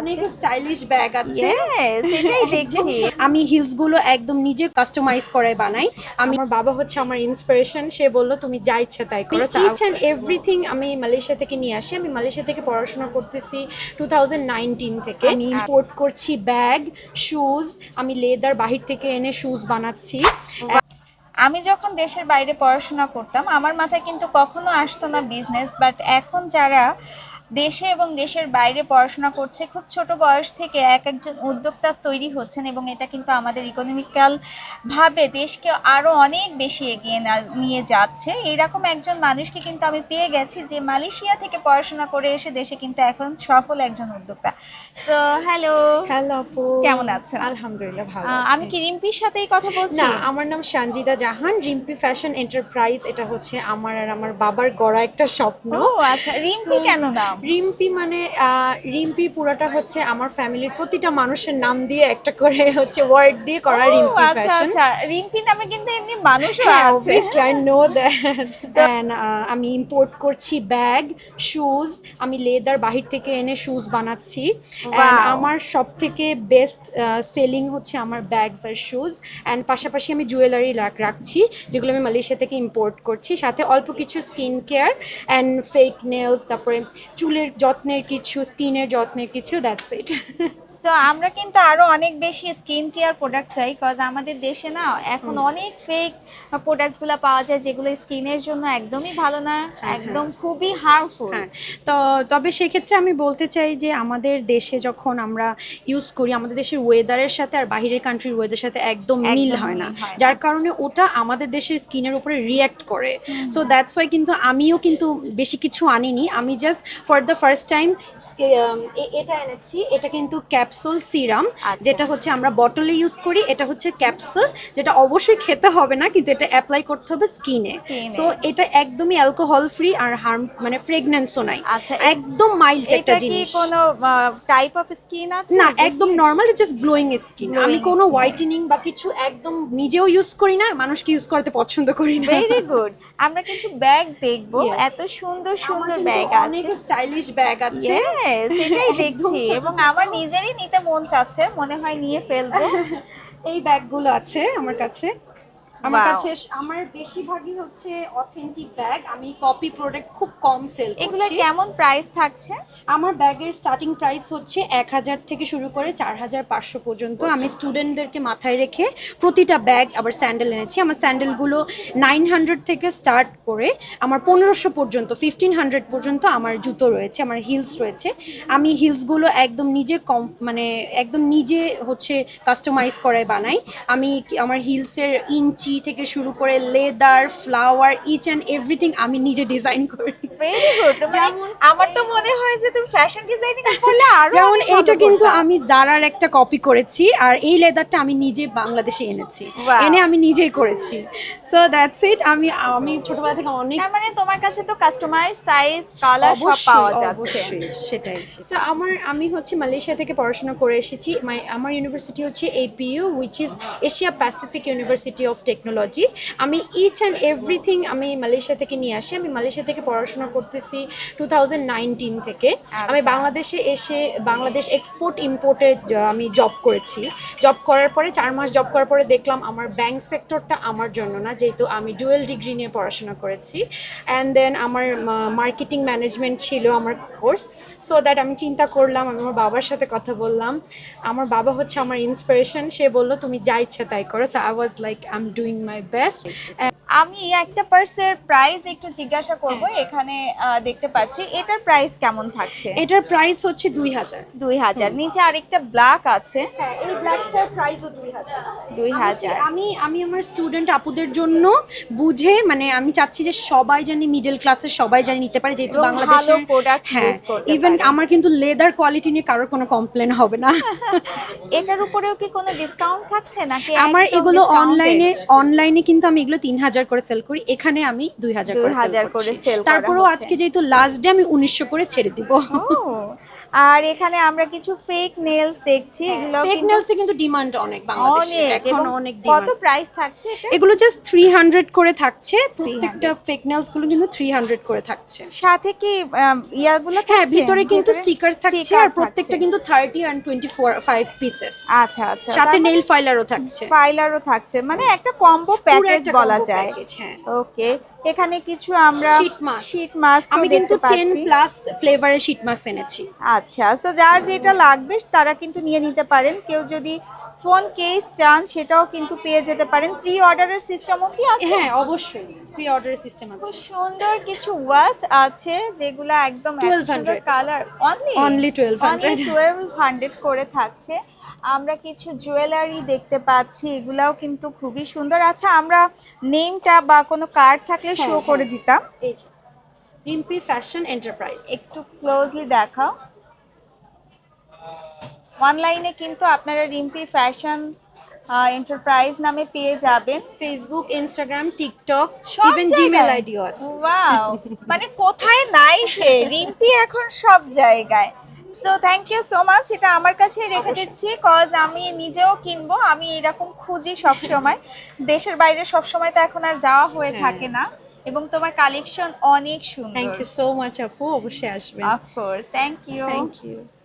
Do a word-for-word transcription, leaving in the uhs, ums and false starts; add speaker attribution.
Speaker 1: অনেক stylish bag আছে।
Speaker 2: Yes, এটাই দেখছি।
Speaker 1: আমি হিলস গুলো একদম নিজে কাস্টমাইজ করে বানাই। আমি আমার বাবা হচ্ছে আমার ইন্সপিরেশন, সে বলল তুমি যা ইচ্ছা তাই করো। ইচ অ্যান্ড এভরিথিং আমি মালয়েশিয়া থেকে নিয়ে আসি। আমি মালয়েশিয়া থেকে পড়াশোনা করতেছি টু থাউজেন্ড নাইনটিন থেকে। আমি ইম্পোর্ট করছি ব্যাগ, শুজ, আমি লেদার বাহির থেকে এনে শুজ বানাচ্ছি।
Speaker 2: আমি যখন দেশের বাইরে পড়াশোনা করতাম আমার মাথায় কিন্তু কখনো আসতো না বিজনেস, বাট এখন যারা দেশে এবং দেশের বাইরে পড়াশোনা করছে খুব ছোট বয়স থেকে এক একজন উদ্যোক্তা তৈরি হচ্ছেন, এবং এটা কিন্তু আমাদের ইকোনমিক্যাল ভাবে দেশকে আরও অনেক বেশি এগিয়ে না- নিয়ে যাচ্ছে। এরকম একজন মানুষকে কিন্তু আমি পেয়ে গেছি যে মালয়েশিয়া থেকে পড়াশোনা করে এসে দেশে কিন্তু এখন সফল একজন উদ্যোক্তা। সো হ্যালো,
Speaker 1: হ্যালো আপু,
Speaker 2: কেমন আছেন?
Speaker 1: আলহামদুলিল্লাহ ভালো
Speaker 2: আহ,
Speaker 1: আছি।
Speaker 2: আমি কি রিম্পির সাথেই কথা বলছি?
Speaker 1: না, আমার নাম সঞ্জিদা জাহান। রিম্পি ফ্যাশন এন্টারপ্রাইজ, এটা হচ্ছে আমার আর আমার বাবার গড়া একটা স্বপ্ন।
Speaker 2: ও আচ্ছা, রিম্পি কেন নাম?
Speaker 1: রিম্পি মানে আহ, রিম্পি পুরাটা হচ্ছে আমার ফ্যামিলির প্রতিটা মানুষের নাম দিয়ে একটা করে হচ্ছে ওয়ার্ড দিয়ে করা
Speaker 2: ও
Speaker 1: রিম্পি
Speaker 2: আচ্ছা
Speaker 1: ফ্যাশন।
Speaker 2: আচ্ছা, রিম্পি নামে কিন্তু এমনি মানুষও
Speaker 1: হ্যাঁ,
Speaker 2: আছে।
Speaker 1: obviously I know that. And, uh, আমি ইম্পোর্ট করছি ব্যাগ, শুজ, আমি লেদার বাহির থেকে এনে শুজ বানাচ্ছি। And
Speaker 2: Wow.
Speaker 1: আমার সব থেকে বেস্ট সেলিং হচ্ছে আমার ব্যাগস আর শুজ। অ্যান্ড পাশাপাশি আমি জুয়েলারি রাখছি যেগুলো আমি মালয়েশিয়া থেকে ইম্পোর্ট করছি, সাথে অল্প কিছু skin care and fake nails, তারপরে চুলের যত্নের কিছু, স্কিনের যত্নের কিছু, দ্যাটস ইট।
Speaker 2: সো আমরা কিন্তু আরো অনেক বেশি স্কিন কেয়ার প্রোডাক্ট চাই, কজ আমাদের দেশে না এখন অনেক ফেক প্রোডাক্টগুলো পাওয়া যায় যেগুলো স্কিনের জন্য একদমই ভালো না, একদম খুবই হার্মফুল।
Speaker 1: হ্যাঁ, তো তবে সেক্ষেত্রে আমি বলতে চাই যে আমাদের দেশে যখন আমরা ইউজ করি, আমাদের দেশের ওয়েদারের সাথে আর বাহিরের কান্ট্রির ওয়েদারের সাথে একদম মিল
Speaker 2: একদম
Speaker 1: হয় না,
Speaker 2: মিল হয় না।
Speaker 1: যার কারণে ওটা আমাদের দেশের স্কিনের উপরে রিয়্যাক্ট করে। সো দ্যাটস ওয়াই কিন্তু আমিও কিন্তু বেশি কিছু আনিনি, আমি just for the first time এটা এনেছি। এটা কিন্তু ক্যাপসুল সিরাম,
Speaker 2: আচ্ছা।
Speaker 1: যেটা হচ্ছে আমরা বটলে ইউজ করি, এটা হচ্ছে ক্যাপসুল, যেটা অবশ্যই খেতে হবে না, কিন্তু এটা অ্যাপ্লাই করতে হবে স্কিনে।
Speaker 2: Skin এ।
Speaker 1: সো এটা একদমই অ্যালকোহল ফ্রি আর হার্ম মানে ফ্রেগনেন্সও নাই,
Speaker 2: আচ্ছা,
Speaker 1: একদম মাইল্ড একটা
Speaker 2: এটা কি
Speaker 1: জিনিস।
Speaker 2: কোনো টাইপ অফ স্কিন আছে?
Speaker 1: না,
Speaker 2: যে
Speaker 1: একদম
Speaker 2: skin-
Speaker 1: normal, just glowing skin.
Speaker 2: Glowing
Speaker 1: আমি কোনো
Speaker 2: skin।
Speaker 1: হোয়াইটেনিং বা কিছু একদম নিজেও ইউজ করি না, মানুষকে ইউজ করতে পছন্দ করি না।
Speaker 2: Very good. আমরা কিছু ব্যাগ দেখবো,
Speaker 1: Yes.
Speaker 2: এত সুন্দর সুন্দর
Speaker 1: আমার
Speaker 2: ব্যাগ
Speaker 1: কিন্তু
Speaker 2: আছে।
Speaker 1: অনেক স্টাইলিশ ব্যাগ আছে।
Speaker 2: ইয়েস, এটাই
Speaker 1: একদম
Speaker 2: দেখছি,
Speaker 1: ছোট
Speaker 2: এবং
Speaker 1: ছোট।
Speaker 2: আমার নিজেরই নিতে মন চাচ্ছে, মনে হয় নিয়ে ফেলবো।
Speaker 1: এই ব্যাগগুলো আছে আমার কাছে। আমার
Speaker 2: Wow.
Speaker 1: কাছে আমার বেশিরভাগই হচ্ছে অথেন্টিক ব্যাগ, আমি কপি প্রোডাক্ট খুব কম সেল
Speaker 2: এগুলো
Speaker 1: করছি।
Speaker 2: কেমন প্রাইস থাকছে?
Speaker 1: আমার ব্যাগের স্টার্টিং প্রাইস হচ্ছে এক হাজার থেকে শুরু করে চার হাজার পাঁচশো পর্যন্ত। আমি স্টুডেন্টদেরকে মাথায় রেখে প্রতিটা ব্যাগ আবার স্যান্ডেল এনেছি। আমার স্যান্ডেলগুলো নাইন হান্ড্রেড থেকে স্টার্ট করে আমার পনেরোশো পর্যন্ত, ফিফটিন হান্ড্রেড পর্যন্ত আমার জুতো রয়েছে, আমার হিলস রয়েছে। আমি হিলসগুলো একদম নিজে কম মানে একদম নিজে হচ্ছে কাস্টমাইজ করে বানাই। আমি কি- আমার হিলসের ইঞ্চি থেকে শুরু করে leather, flower, each and everything আমি নিজে ডিজাইন করি।
Speaker 2: Very good. মানে আমার তো মনে হয় যে তুমি ফ্যাশন ডিজাইনিং করলে আরো
Speaker 1: যেমন
Speaker 2: অনেক ভালো
Speaker 1: এইটা কিন্তু
Speaker 2: করতা।
Speaker 1: আমি জারার একটা কপি করেছি, আর এই লেদারটা আমি নিজে বাংলাদেশে এনেছি,
Speaker 2: Wow.
Speaker 1: এনে আমি নিজেই করেছি। So that's it. আমি আমি ছোটবেলা থেকে অনেক
Speaker 2: তার মানে তোমার কাছে তো কাস্টমাইজ সাইজ কালার সব পাওয়া যাচ্ছে।
Speaker 1: অবশ্যই সেটাই। সো আমার আমি হচ্ছে মালয়েশিয়া থেকে পড়াশোনা করে এসেছি। মাই আমার ইউনিভার্সিটি হচ্ছে APU, which is Asia Pacific University of Technology. আমি ইচ অ্যান্ড এভরিথিং আমি মালয়েশিয়া থেকে নিয়ে আসি। আমি মালয়েশিয়া থেকে পড়াশোনা করতেছি টু থাউজেন্ড নাইনটিন থেকে। আমি বাংলাদেশে এসে বাংলাদেশ এক্সপোর্ট ইম্পোর্টে আমি জব করেছি। জব করার পরে চার মাস জব করার পরে দেখলাম আমার ব্যাংক সেক্টরটা আমার জন্য না, যেহেতু আমি ডুয়েল ডিগ্রি নিয়ে পড়াশোনা করেছি। অ্যান্ড দেন আমার মার্কেটিং ম্যানেজমেন্ট ছিল আমার কোর্স। সো দ্যাট আমি চিন্তা করলাম, আমি আমার বাবার সাথে কথা বললাম। আমার বাবা হচ্ছে আমার ইন্সপিরেশন, সে বলল তুমি যা ইচ্ছা তাই করো। So I was like I am doing my best.
Speaker 2: আমি একটা পার্সের প্রাইস একটু জিজ্ঞাসা করব। এখানে আহ, দেখতে পাচ্ছি এটার প্রাইস কেমন থাকছে?
Speaker 1: এটার প্রাইস হচ্ছে দুই হাজার।
Speaker 2: দুই হাজার। নিচে আরেকটা ব্ল্যাক আছে।
Speaker 1: হ্যাঁ, এই ব্ল্যাকটার প্রাইসও দুই হাজার।
Speaker 2: দুই হাজার।
Speaker 1: আমি আমি আমার স্টুডেন্ট আপুদের জন্য বুঝে, মানে আমি চাচ্ছি যে সবাই জানি, মিডল ক্লাসের সবাই জানি নিতে পারে, যেহেতু
Speaker 2: এবং
Speaker 1: বাংলাদেশে
Speaker 2: ভালো product
Speaker 1: হ্যাঁ,
Speaker 2: use করতে
Speaker 1: ইভেন
Speaker 2: পারে।
Speaker 1: আমার কিন্তু লেদার কোয়ালিটি নিয়ে কারোর কোনো কমপ্লেন হবে না।
Speaker 2: এটার উপরেও কি কোনো ডিসকাউন্ট থাকছে নাকি?
Speaker 1: আমার
Speaker 2: একদম
Speaker 1: এগুলো
Speaker 2: discounted?
Speaker 1: অনলাইনে অনলাইনে কিন্তু আমি এগুলো তিন হাজার করে সেল করি, এখানে আমি দুই হাজার করে
Speaker 2: দুই হাজার
Speaker 1: সেল
Speaker 2: করে
Speaker 1: করছি।
Speaker 2: sell করা
Speaker 1: তারপরেও
Speaker 2: হচ্ছে।
Speaker 1: আজকে যেহেতু লাস্ট ডে, আমি উনিশশো করে ছেড়ে দিব।
Speaker 2: ও আর এখানে আমরা কিছু ফেক নেলস দেখছি, এগুলো
Speaker 1: ফেক
Speaker 2: কিন্তু
Speaker 1: নেলসে কিন্তু ডিমান্ড অনেক বাংলাদেশে,
Speaker 2: অনেক,
Speaker 1: এখন
Speaker 2: এবং
Speaker 1: অনেক
Speaker 2: কত
Speaker 1: ডিমান্ড।
Speaker 2: প্রাইস থাকছে এটা?
Speaker 1: এগুলো জাস্ট থ্রি হান্ড্রেড করে থাকছে, প্রত্যেকটা ফেক নেলস গুলো কিন্তু থ্রি হান্ড্রেড করে থাকছে।
Speaker 2: সাথে কি আম, ইয়াগুলো
Speaker 1: হ্যাঁ,
Speaker 2: থাকছে?
Speaker 1: ভিতরে কিন্তু
Speaker 2: ভেতরে
Speaker 1: স্টিকার থাকছে,
Speaker 2: sticker
Speaker 1: আর প্রত্যেকটা
Speaker 2: থাকছে।
Speaker 1: কিন্তু thirty and twenty four five pieces,
Speaker 2: আচ্ছা আচ্ছা,
Speaker 1: সাথে নেল ফাইলারও থাকছে।
Speaker 2: ফাইলারও থাকছে, মানে একটা কম্বো
Speaker 1: পুরো
Speaker 2: প্যাকেজ
Speaker 1: একটা
Speaker 2: বলা
Speaker 1: combo
Speaker 2: যায়।
Speaker 1: package, হ্যাঁ।
Speaker 2: ওকে, এখানে কিছু আমরা
Speaker 1: শীট মাস্ক,
Speaker 2: শীট মাস্ক
Speaker 1: আমি কিন্তু
Speaker 2: দেখতে
Speaker 1: টেন
Speaker 2: পাচ্ছি।
Speaker 1: প্লাস ফ্লেভারের শীট মাস্ক এনেছি।
Speaker 2: আচ্ছা, সো যার যেটা লাগবে তারা কিন্তু নিয়ে নিতে পারেন। কেউ যদি ফোন কেস চান সেটাও কিন্তু পেয়ে যেতে পারেন। প্রি অর্ডারের সিস্টেমও কি আছে?
Speaker 1: হ্যাঁ, অবশ্যই প্রি অর্ডারের সিস্টেম আছে।
Speaker 2: খুব সুন্দর কিছু ওয়াচ আছে যেগুলো একদম
Speaker 1: twelve hundred
Speaker 2: colour, only
Speaker 1: Only twelve hundred
Speaker 2: twelve hundred করে থাকছে। আমরা কিছু জুয়েলারি দেখতে পাচ্ছি, এগুলাও কিন্তু খুবই সুন্দর। আচ্ছা, আমরা নেমটা বা কোনো কার্ড থাকলে শো
Speaker 1: হ্যাঁ,
Speaker 2: করে
Speaker 1: হ্যাঁ।
Speaker 2: দিতাম।
Speaker 1: এই যে রিম্পি ফ্যাশন এন্টারপ্রাইজ।
Speaker 2: একটু ক্লোজলি দেখাও। অনলাইনে কিন্তু আপনারা রিম্পি ফ্যাশন এন্টারপ্রাইজ নামে পেয়ে যাবেন।
Speaker 1: ফেসবুক, ইনস্টাগ্রাম, টিকটক,
Speaker 2: সব
Speaker 1: ইভেন
Speaker 2: জায়গায়?
Speaker 1: জিমেল আইডিও আছে।
Speaker 2: ওয়াও, মানে কোথায় নাই সে, রিম্পি এখন সব জায়গায়। So thank you so much, এটা আমার কাছে রেখে দিচ্ছি, কজ আমি নিজেও কিনবো। আমি এরকম খুঁজি সব সময়, দেশের বাইরে সব সময় তো এখন আর যাওয়া হয়ে
Speaker 1: হ্যাঁ।
Speaker 2: থাকে না। এবং তোমার কালেকশন অনেক সুন্দর।
Speaker 1: থ্যাংক ইউ সো মাচ আপু, অবশ্যই আসবেন।
Speaker 2: Of course, thank you.
Speaker 1: Thank you.